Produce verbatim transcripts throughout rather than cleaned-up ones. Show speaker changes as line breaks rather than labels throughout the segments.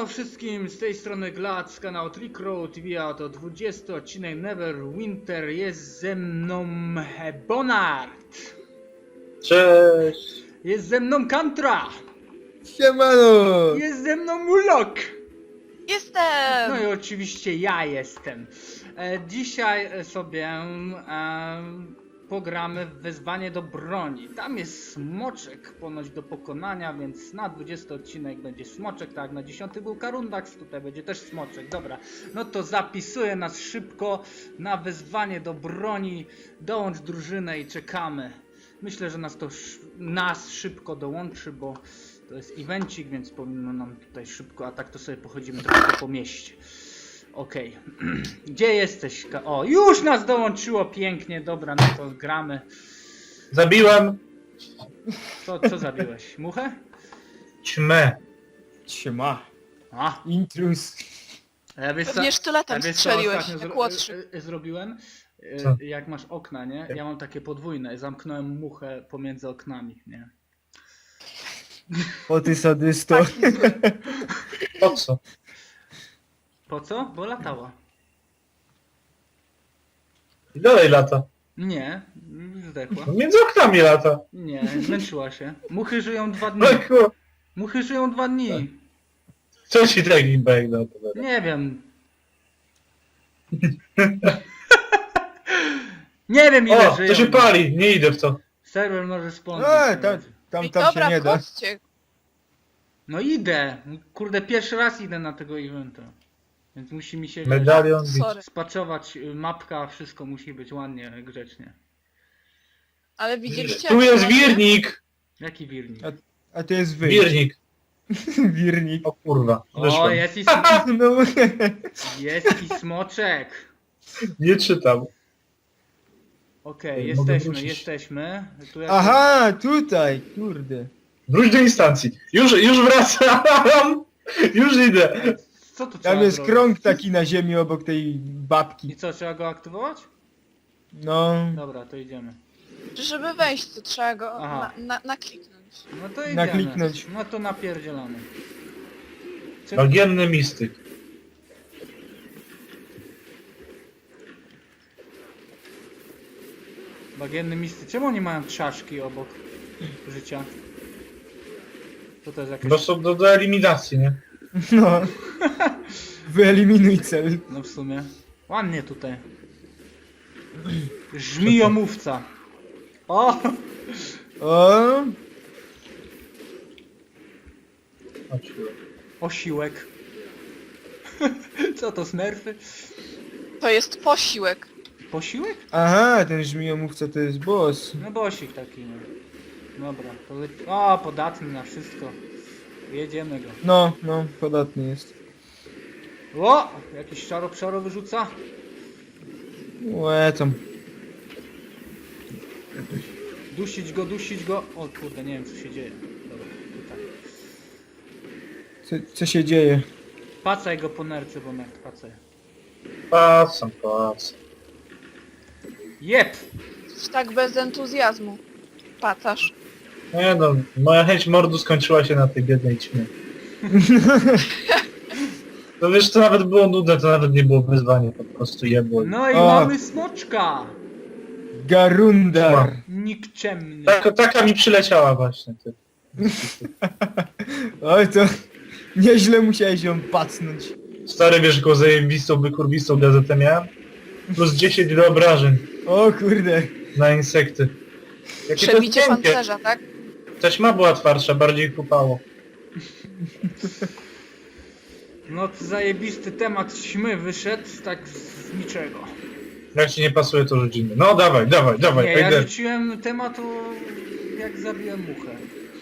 Siemano wszystkim, z tej strony Glad z kanału Trick Road, wija to dwudziesty odcinek Neverwinter, jest ze mną Bonard.
Cześć!
Jest ze mną Kantra.
Siemano!
Jest ze mną Mulok.
Jestem!
No i oczywiście ja jestem. E, dzisiaj sobie e, pogramy w wezwanie do broni. Tam jest smoczek ponoć do pokonania, więc na dwudziesty odcinek będzie smoczek, tak, na dziesiąty był Karundax, tutaj będzie też smoczek. Dobra, no to zapisuję nas szybko na wezwanie do broni. Dołącz drużynę i czekamy. Myślę, że nas to nas szybko dołączy, bo to jest evencik, więc powinno nam tutaj szybko, a tak to sobie pochodzimy trochę po mieście. Okej. Okay. Gdzie jesteś? O, już nas dołączyło pięknie, dobra, no to gramy.
Zabiłem
Co, co zabiłeś? Muchę?
ćmę.
Siema.
A,
Intrus.
ja wiesz co,
Pewnie sztyletem
ja wiesz co
strzeliłeś,
ostatnio
jak
zro
łotrzyk.
y- y- zrobiłem? Y,
Co?
Jak masz okna, nie? Ja mam takie podwójne, zamknąłem muchę pomiędzy oknami, nie?
O ty sadysto.
Po co?
Po co? Bo latała.
I dalej lata.
Nie, zdechła.
No między oknami lata.
Nie, zmęczyła się. Muchy żyją dwa dni.
No kur...
Muchy żyją dwa dni.
Co ci taki bag na to?
Nie wiem. Nie wiem ile
O,
żyją.
to się pali, nie idę w to.
Serwer może spądzić.
E, tam, tam,
I
tam
dobra,
się nie da.
wchodźcie.
No idę. Kurde, pierwszy raz idę na tego eventa. Więc musi mi się
Medalion bić.
Sorry.
spaczować y, mapka, wszystko musi być ładnie, grzecznie.
Ale widzieliście
Tu
jak
jest
to
wirnik!
Jaki wirnik?
A to jest wy.
Wirnik.
Wirnik.
O kurwa,
O,
wyszłem.
jest i,
No,
jest i smoczek.
Nie czytam.
Okej,
Mogę
jesteśmy,
wrócić.
jesteśmy. Tu jak...
aha, tutaj, kurde.
Wróć do instancji. Już, już wracam! Już idę.
Co tu trzeba
Tam jest
zrobić?
krąg taki na ziemi obok tej
I
babki.
co, trzeba go aktywować?
No,
Dobra, to idziemy.
Żeby wejść, to trzeba go
Aha.
na, na, nakliknąć.
No to idziemy.
nakliknąć.
No to napierdzielamy. Czy...
Bagienny mistyk.
Bagienny misty. Czemu oni mają czaszki obok życia? Co to jest jakieś...
Bo są do, do eliminacji, nie?
no. Wyeliminuj cel.
No w sumie. Ładnie tutaj. Żmijomówca. O!
O,
Chodź.
Osiłek. Co to, smerfy?
To jest posiłek.
Posiłek?
aha, ten żmijomówca to jest boss.
No bosik taki, no. Dobra, to le... O, podatny na wszystko. Jedziemy go.
No, no, podatny jest.
O! Jakiś czaro przaro wyrzuca.
Łe, tam.
Dusić go, dusić go. O kurde, nie wiem co się dzieje. Dobra, tutaj.
Co, co się dzieje?
Pacaj go po nerce, bo nerk pacaj.
Pasam, pasam.
Jep!
Coś tak bez entuzjazmu. Pacasz.
Nie no, moja chęć mordu skończyła się na tej biednej ćmie. To wiesz, to nawet było nudne, to nawet nie było wyzwanie, po prostu jebło.
No i
O.
mamy smoczka!
Garundar.
Nikczemny.
Taka, taka mi przyleciała właśnie. Ty.
Oj, to nieźle musiałeś ją pacnąć.
Stary, wiesz, jaką zajebistą, wykurwistą gazetę miałem? Plus dziesięć do obrażeń
O kurde.
na insekty. Jakie to
Przebicie
jest miękkie.
pancerza, tak?
Ta ćma była twardsza, bardziej kupało.
No to zajebisty temat ćmy wyszedł tak z niczego.
Jak ci nie pasuje, to rzucimy. No dawaj, dawaj, dawaj,
Nie, ja
idę.
rzuciłem temat o... jak zabiłem muchę.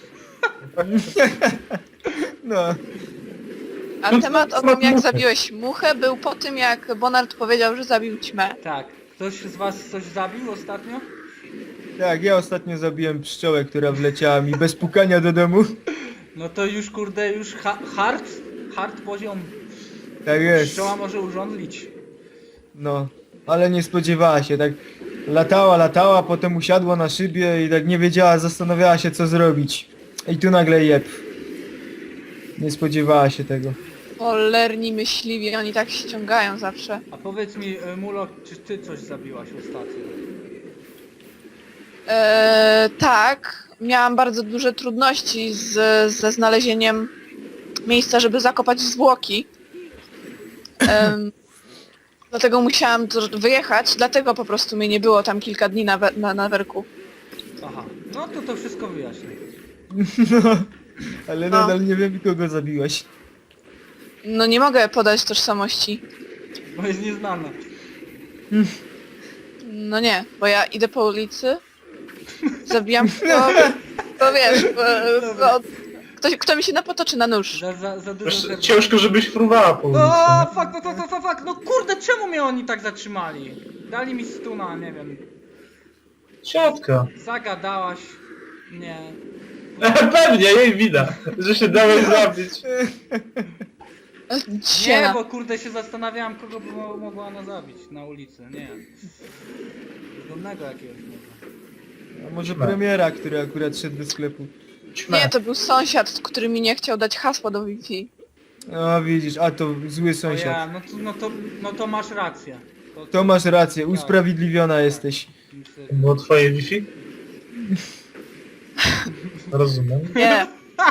No.
A
No,
temat
to-
o
to
tym, jak
muchy.
zabiłeś muchę, był po tym, jak Bonard powiedział, że zabił ćmę.
Tak. Ktoś z was coś zabił ostatnio?
Tak, ja ostatnio zabiłem pszczołę, która wleciała mi bez pukania do domu.
No to już kurde, już ha hard, hard poziom.
Tak jest.
Pszczoła może urządlić.
No. Ale nie spodziewała się, tak latała, latała, potem usiadła na szybie i tak nie wiedziała, zastanawiała się co zrobić. I tu nagle jeb. Nie spodziewała się tego.
Cholerni myśliwi, oni tak ściągają zawsze.
A powiedz mi, e, Mulo, czy ty coś zabiłaś ostatnio?
Eee, tak, miałam bardzo duże trudności z, ze znalezieniem miejsca, żeby zakopać zwłoki. Em, dlatego musiałam to wyjechać, dlatego po prostu mnie nie było tam kilka dni na, we, na, na werku.
Aha, no to to wszystko wyjaśnię.
No, ale
No.
nadal nie wiem kogo zabiłaś.
No nie mogę podać tożsamości.
Bo jest nieznana.
No nie, bo ja idę po ulicy, zabijam kogo, to wiesz, bo, bo, ktoś, kto mi się napotoczy na nóż.
Za, za, za dużo
Wiesz,
zerwa.
ciężko, żebyś fruwała po ulicy.
O,
nie?
fuck, fuck, fuck, fuck, fuck, no kurde, czemu mnie oni tak zatrzymali? Dali mi stuna, nie wiem.
Siatka.
Zagadałaś. Nie.
Pewnie, jej wina, że się dałeś zabić.
Nie,
Dziena.
bo kurde się zastanawiałam, kogo by mo mogła ona zabić na ulicy, nie. Bezdomnego jakiegoś może.
A może
No.
premiera, który akurat szedł do sklepu.
Ćmę.
Nie, to był sąsiad, który mi nie chciał dać hasła do Wi-Fi.
O widzisz, a to zły
O
sąsiad.
ja, no, to, no, to, no to masz rację. To,
To masz rację, usprawiedliwiona jesteś.
myślę,
To było twoje Wi-Fi? Rozumiem.
Nie,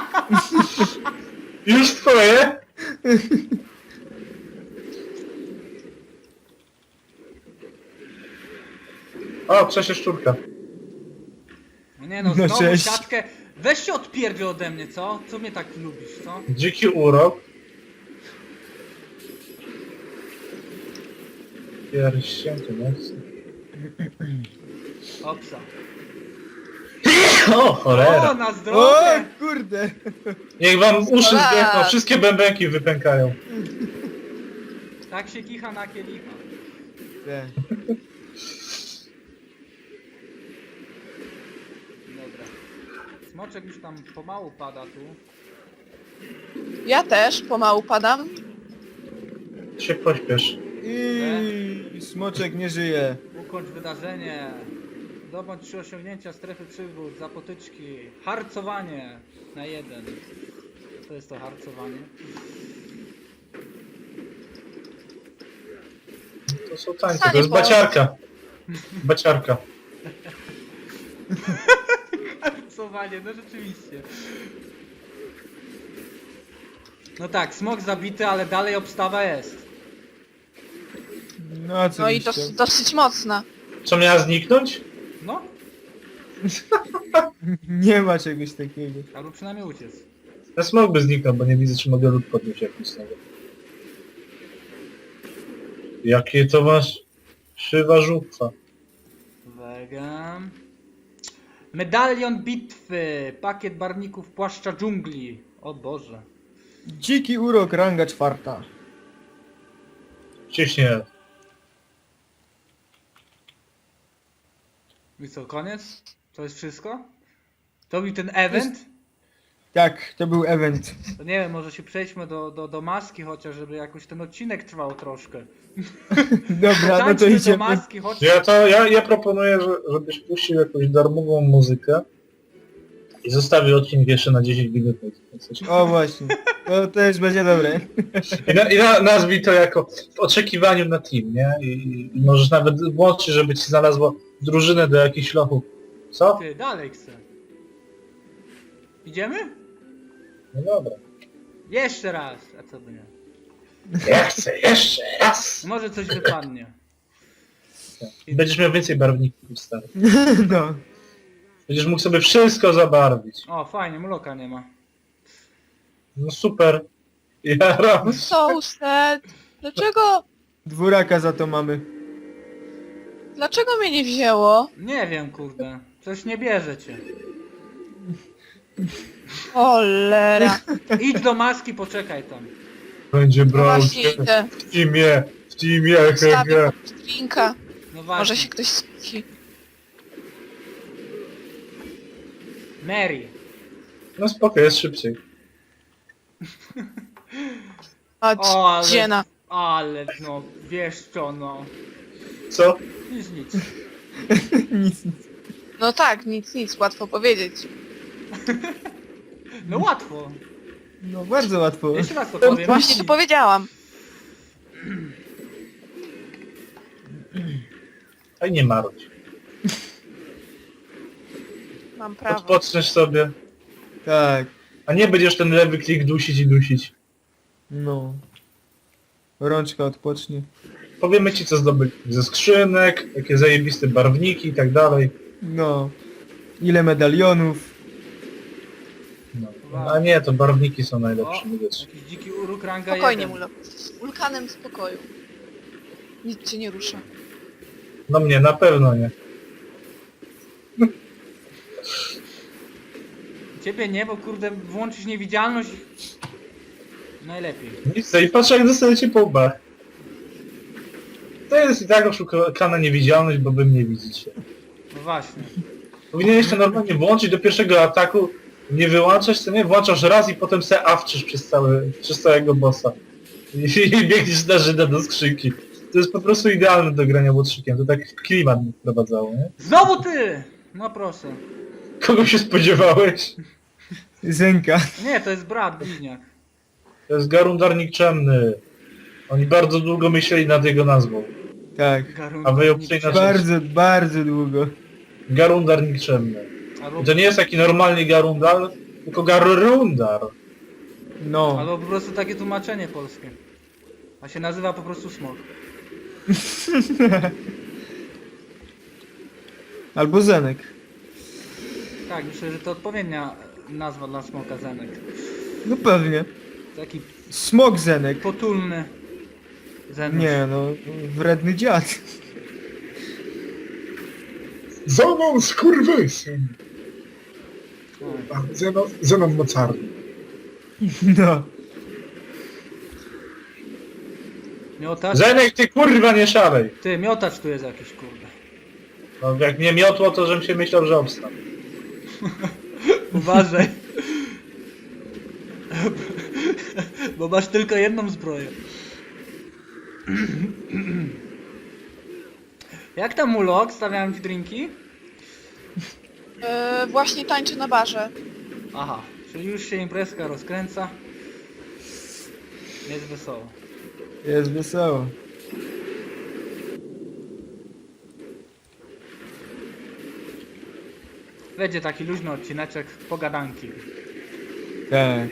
Już twoje? O, Krzesie Szczurka.
no nie no,
No
znowu
cześć.
siatkę. Weź się odpierwie ode mnie, co? Co mnie tak lubisz, co?
Dziki urok. Pierścienki, no.
Opsa.
O,
O,
cholera.
na
O
zdrowie!
kurde!
Niech wam uszy
Cholera.
zdechną, wszystkie bębenki wypękają.
Tak się kicha na kielicha.
Te.
Dobra. Smoczek już tam pomału pada tu.
ja też pomału padam.
Się pośpiesz.
I smoczek nie żyje.
Ukończ wydarzenie. Zdobądź trzy osiągnięcia strefy przygód, zapotyczki. Harcowanie na jeden. To jest to harcowanie.
To są tańce,
Stanie
to jest
po-
baciarka. Baciarka.
Harcowanie, no rzeczywiście. No tak, smok zabity, ale dalej obstawa jest.
No a co
No i
byś
to
chciał?
dosyć mocna.
Co miała zniknąć?
No,
Nie ma czegoś takiego.
albo przynajmniej uciec.
Ja smog by zniknął, bo nie widzę, czy mogę lód podnieść jakiś z tego. Jakie to masz szywa żuchwa.
Uwaga. Medalion bitwy. Pakiet barwników płaszcza dżungli. O Boże.
Dziki urok, ranga czwarta.
Ciśnie.
I co, koniec? To jest wszystko? To był ten event?
Tak, to był event.
To nie wiem, może się przejdźmy do, do, do maski chociaż, żeby jakoś ten odcinek trwał troszkę.
Dobra, no to
Tańczmy do
idziemy.
maski, chodź.
Ja to, ja, ja proponuję, że, żebyś puścił jakąś darmową muzykę i zostawił odcinek jeszcze na dziesięć minut.
O właśnie, to też będzie dobre.
I, na, i na, nazwij to jako w oczekiwaniu na team, nie? I, i, i możesz nawet włączyć, żeby ci znalazło drużynę do jakichś lochów. Co?
Ty, dalej chcę. Idziemy?
No dobra.
Jeszcze raz, a co by nie?
Ja chcę jeszcze raz!
Może coś wypadnie.
I będziesz miał więcej barwników, stary.
No.
Będziesz mógł sobie wszystko zabarwić.
O, fajnie, mloka nie ma.
No super. Ja ram.
So sad. Dlaczego,
Dwóraka za to mamy.
dlaczego mnie nie wzięło?
Nie wiem, kurde. Coś nie bierze cię.
Cholera.
Idź do maski, poczekaj tam.
Będzie
No
brał
właśnie
cię
idę.
w teamie, w teamie, he,
Stawię
he.
pod drinka.
No właśnie.
Może się ktoś skusi.
Mary.
No spoko, jest szybciej.
A
O, ale...
dziena.
Ale no, wiesz co, no.
Co?
Nic, nic.
Nic, nic.
No tak, nic, nic, łatwo powiedzieć.
No łatwo.
No bardzo łatwo.
Jeszcze raz to powiem.
Właśnie to powiedziałam.
A nie marudź.
Mam prawo.
Odpoczniesz sobie.
Tak,
A nie będziesz ten lewy klik dusić i dusić.
no. Rączka odpocznie.
Powiemy ci co zdobyć ze skrzynek, jakie zajebiste barwniki i tak dalej.
No. Ile medalionów.
No. A nie, to barwniki są najlepsze.
O,
nie wiesz.
jakiś dziki uruk ranga
Spokojnie,
jeden.
Mulo. W ulkanem spokoju. Nic cię nie rusza.
No mnie na pewno nie.
Ciebie nie, bo kurde włączyć niewidzialność najlepiej.
Nic, i patrz jak dostajecie po łbach. To jest i tak oszukana niewidzialność, bo wy mnie widzicie.
No właśnie.
Powinieneś to normalnie włączyć do pierwszego ataku, nie wyłączać, to nie, włączasz raz i potem se awczysz przez, cały, przez całego bossa. I, i biegniesz na Żyda do skrzynki. To jest po prostu idealne do grania łotrzykiem, to tak klimat mi wprowadzało, nie?
Znowu ty! No proszę.
Kogo się spodziewałeś?
Zenka.
Nie, to jest brat, bliźniak.
To jest Garundar Nikczemny. Oni bardzo długo myśleli nad jego nazwą.
Tak.
Garun,
A wy ją przeinaczycie.
Bardzo, bardzo długo.
Garundar Nikczemny.
Albo,
I to nie jest taki normalny Garundar, tylko Garundar.
No.
albo po prostu takie tłumaczenie polskie. A się nazywa po prostu smok.
Albo Zenek.
Tak, myślę, że to odpowiednia nazwa dla smoka Zenek.
No pewnie.
Taki
Smok Zenek.
potulny Zenek.
Nie no, wredny dziad.
Zenon skurwysyn!
Oj.
A, Zenon, Zenon mocarny.
No.
Miotacz?
Zenek, ty kurwa nie szalej!
Ty, miotacz tu jest jakiś, kurde.
No jak mnie miotło, to żebym się myślał, że obstam.
Uważaj. Bo masz tylko jedną zbroję. Jak tam ulok? Stawiałem ci drinki?
Yy, właśnie tańczę na barze.
Aha, czyli już się imprezka rozkręca. Jest wesoło.
Jest wesoło.
Będzie taki luźny odcineczek, pogadanki.
Tak.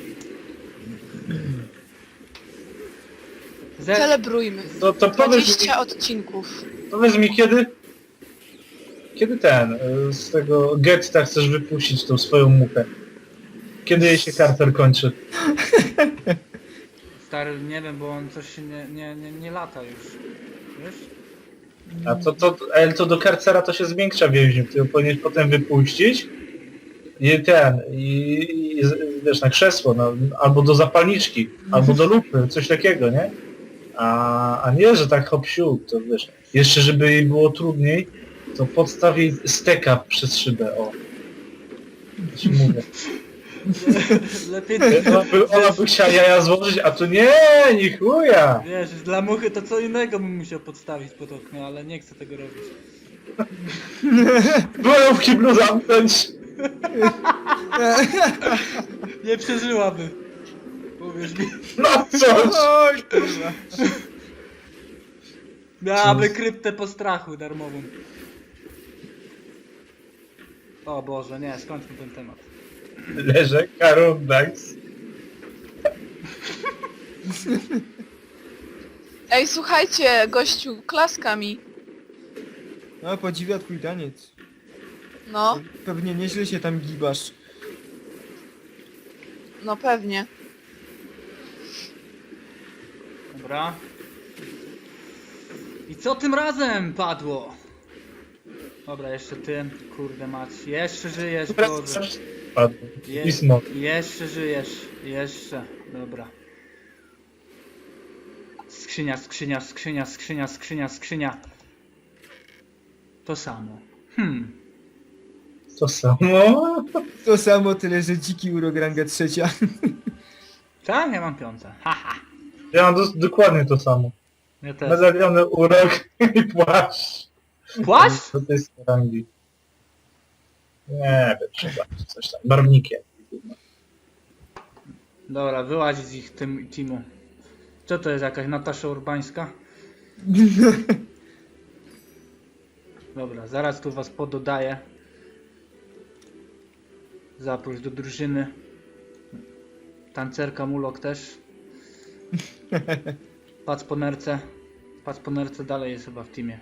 Ze...
Celebrujmy.
To, to powiedz mi,
dwadzieścia odcinków.
powiedz mi kiedy... Kiedy ten, y, z tego getta chcesz wypuścić tą swoją muchę? Kiedy jej się Carter kończy?
Stary, nie wiem, bo on coś się nie, nie, nie, nie lata już. Wiesz?
A to, to, ale to do karcera to się zwiększa więźniów, ty ją powinieneś potem wypuścić i ten, i, i z- wiesz, na krzesło, no, albo do zapalniczki, albo do lupy, coś takiego, nie? A, a nie, że tak hop siup, to wiesz, jeszcze żeby jej było trudniej, to podstaw jej steka przez szybę, o. Ci mówię.
Lepiej,
Ona by, ona by chciała jaja złożyć, a tu nie, nie chuja!
wiesz, dla muchy to co innego bym musiał podstawić pod okno, ale nie chcę tego robić.
Byłem w kiblu zamknąć!
Nie przeżyłaby. Powiesz mi.
No coś!
Oj, kurwa.
Miałaby kryptę postrachu darmową. O Boże, nie, skończmy ten temat.
Leżę, Karundax.
Ej, słuchajcie, gościu, klaska mi.
No, podziwia twój taniec.
No,
Pewnie nieźle się tam gibasz.
no pewnie.
Dobra. I co tym razem padło? Dobra, jeszcze ty, kurde mać. Jeszcze żyjesz, Boże.
Padł.
Je,
I smok.
jeszcze żyjesz, jeszcze. Dobra. Skrzynia, skrzynia, skrzynia, skrzynia, skrzynia, skrzynia. To samo. Hmm.
To samo.
To samo, tyle że dziki urok ranga trzecia.
Tak? Ja mam piątę. Haha.
Ja mam dos- dokładnie to samo.
Ja też.
Medaliony urok i płaszcz.
Płaszcz?
Do tej rangi. Nie wiem, trzeba coś tam. Barwnikiem.
Dobra, wyłaź z ich tym teamu. Co to jest, jakaś Natasza Urbańska? Dobra, zaraz tu was pododaję. Zaproś do drużyny. Tancerka Mulok też. Pac po nerce. Pac po nerce dalej jest chyba w teamie.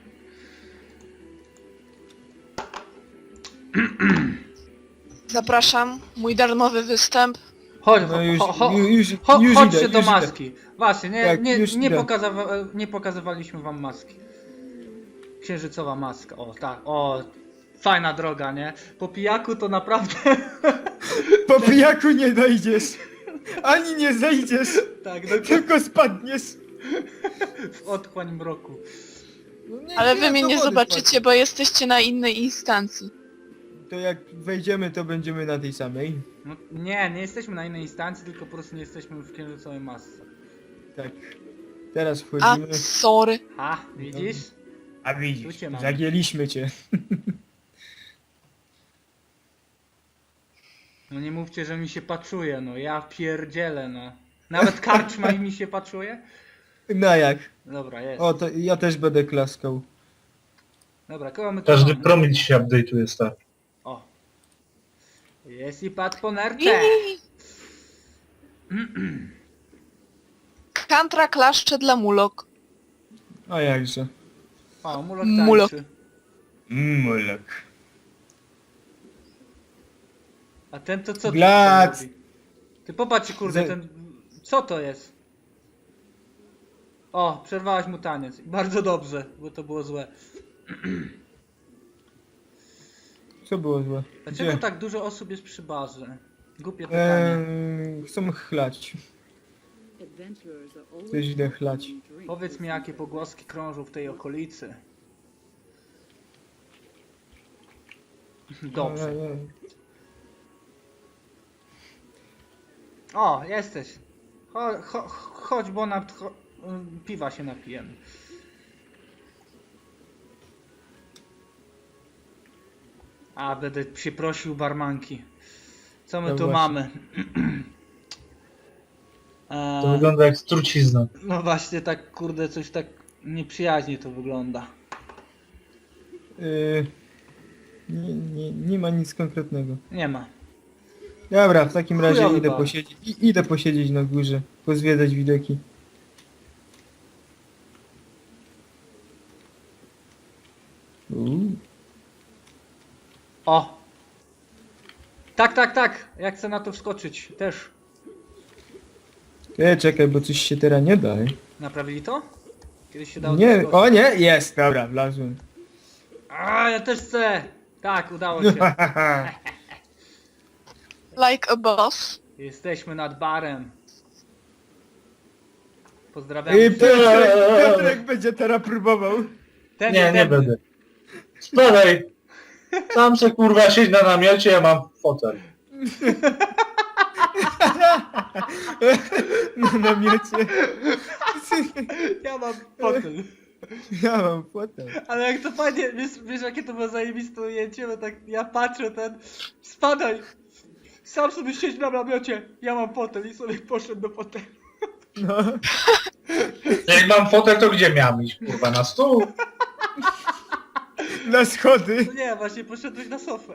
Zapraszam, mój darmowy występ.
Chodź,
No już,
cho, cho,
już,
cho,
już
chodźcie
idę,
do
już idę.
maski. Właśnie, nie,
Tak,
nie,
już
nie,
idę.
pokazawa nie pokazywaliśmy wam maski. Księżycowa maska, o tak, o. Fajna droga, nie? Po pijaku to naprawdę...
Po pijaku nie dojdziesz. Ani nie zejdziesz,
tak, no,
tylko spadniesz.
w otchłań mroku.
No nie,
Ale wy
nie,
mnie
do
nie
wody
zobaczycie, bo jesteście na innej instancji.
spadł. To jak wejdziemy, to będziemy na tej samej.
No, nie, nie jesteśmy na innej instancji, tylko po prostu nie jesteśmy w księżycowej masce.
Tak. Teraz
A,
wchodzimy.
sorry.
Ha, widzisz?
A
Tu
widzisz,
cię mam.
zagięliśmy cię.
No nie mówcie, że mi się paczuje, no ja pierdzielę, no. Nawet karczma mi się paczuje?
No jak?
Dobra, jest.
O, to ja też będę klaskał.
Dobra, kogo my tu
Każdy
mamy?
promil się update'uje, stary.
O. Jest i patrz po nerce.
Ii. Kantra klaszcze dla mulok.
A jakże?
O, mulok
Mulok.
tańczy.
Mulek.
A ten to co tu
Glac.
tutaj robi? Ty popatrz, kurde,
Ze-
ten... Co to jest? O, przerwałeś mu taniec. Bardzo dobrze, bo to było złe.
Co było złe?
Dlaczego
Gdzie?
tak dużo osób jest przy barze? Głupie pytanie.
Eee, chcą chlać.
To źle chlać.
Powiedz mi, jakie pogłoski krążą w tej okolicy. Dobrze.
Eee,
O, jesteś. Cho, cho, chodź, bo na cho, piwa się napijemy. A, będę się prosił barmanki. Co my
No
tu
właśnie.
mamy?
To
Eee,
wygląda jak trucizna.
no właśnie, tak kurde, coś tak nieprzyjaźnie to wygląda.
eee, nie, nie, nie ma nic konkretnego.
Nie ma.
Dobra, w takim razie
Chujowy
idę
bar.
posiedzieć, i- idę posiedzieć na górze, pozwiedzać widoki. Uuu.
O! Tak, tak, tak! Ja chcę na to wskoczyć też.
E, czekaj, bo coś się teraz nie da. e.
Naprawili to? Kiedyś się dało
Nie,
wskoczyć.
o nie, jest, dobra, wlazłem.
A, ja też chcę! Tak, udało się.
Like a boss.
Jesteśmy nad barem. Pozdrawiam.
I Piotrek, Piotrek będzie teraz próbował.
Ten,
Nie,
ten.
nie będę. Spadaj! Tam se kurwa siedź na namiocie, ja mam fotel.
Na namiocie.
Ja mam fotel.
Ja mam fotel.
Ale jak to fajnie, wiesz, wiesz jakie to było zajebiste ujęcie, bo tak ja patrzę ten, spadaj, sam sobie siedź na namiocie, ja mam fotel i sobie poszedł do fotelu.
No.
Jak mam fotel, to gdzie miałem iść? Kurwa, na stół?
Na schody.
No nie, właśnie poszedłeś na sofę.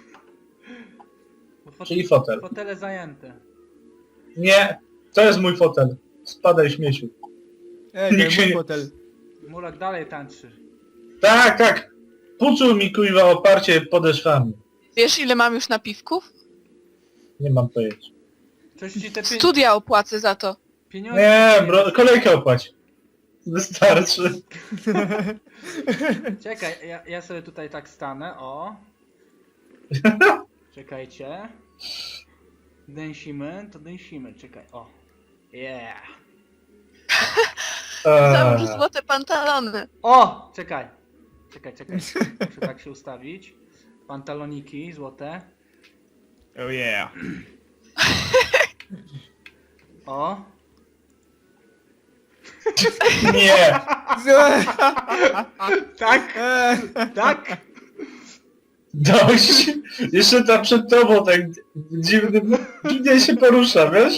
Bo fotel,
Czyli fotel.
Fotele zajęte.
Nie, to jest mój fotel. Spadaj, śmieciu.
Ej,
Nikt się
mój
nie-
fotel.
Mulak dalej tańczy.
Tak, tak. Puczuł mi kuźwa oparcie podeszwami.
Wiesz ile mam już napiwków?
Nie mam pojęcia.
Coś ci te pie
Studia opłacę za to.
pieniądze...
Nie, bro, kolejkę opłać. Wystarczy.
Czekaj, ja, ja sobie tutaj tak stanę, o. Czekajcie. Dęsimy, to dęsimy, czekaj, o. Yeah.
Załóż
Eee,
złote pantalony.
O! Czekaj. Czekaj, czekaj. Muszę tak się ustawić. Pantaloniki złote.
Oh yeah.
O.
nie.
Tak,
Eee,
tak.
Dość. Jeszcze tam przed tobą tak dziwny, dziwnie się porusza, wiesz?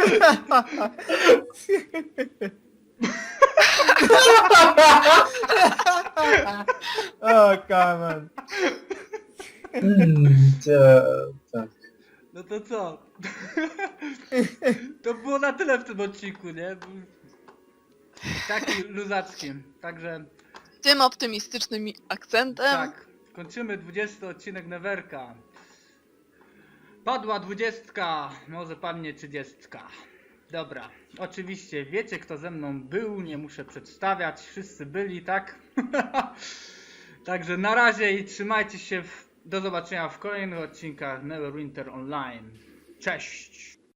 O, kaman.
Mm, tak, tak.
No to co? To było na tyle w tym odcinku, nie? Taki luzackim. Także
Tym optymistycznym akcentem.
tak, kończymy dwudziesty odcinek Neverka. Padła dwudziestka, może padnie trzydziestka. Dobra, oczywiście wiecie kto ze mną był, nie muszę przedstawiać, wszyscy byli, tak? Także na razie i trzymajcie się, w... do zobaczenia w kolejnych odcinkach Neverwinter Online. Cześć!